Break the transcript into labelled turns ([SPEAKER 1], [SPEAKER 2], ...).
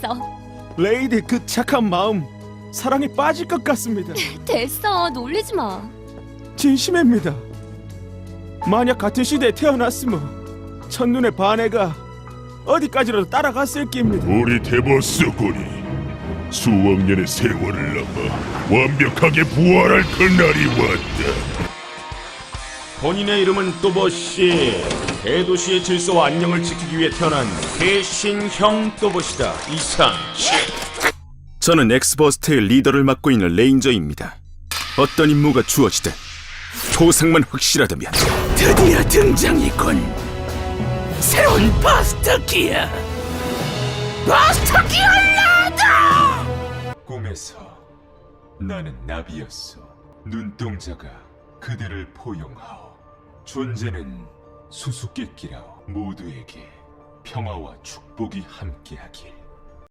[SPEAKER 1] 레이디 그 착한 마음 사랑에 빠질 것 같습니다.
[SPEAKER 2] 됐어, 놀리지 마.
[SPEAKER 1] 진심입니다. 만약 같은 시대에 태어났으면 첫눈에 반해가 어디까지라도 따라갔을 깁니다.
[SPEAKER 3] 우리 데버스군이 수억 년의 세월을 넘어 완벽하게 부활할 그날이 왔다.
[SPEAKER 4] 본인의 이름은 또봇씨. 대도시의 질서와 안녕을 지키기 위해 태어난 대신형 또봇이다. 이상치.
[SPEAKER 5] 저는 엑스버스트의 리더를 맡고 있는 레인저입니다. 어떤 임무가 주어지든 포상만 확실하다면.
[SPEAKER 6] 드디어 등장이군. 새로운 버스터 기어. 버스터 기어 라더!
[SPEAKER 7] 꿈에서 나는 나비였어. 눈동자가 그대를 포용하오. 존재는 수수께끼라오. 모두에게 평화와 축복이 함께하길.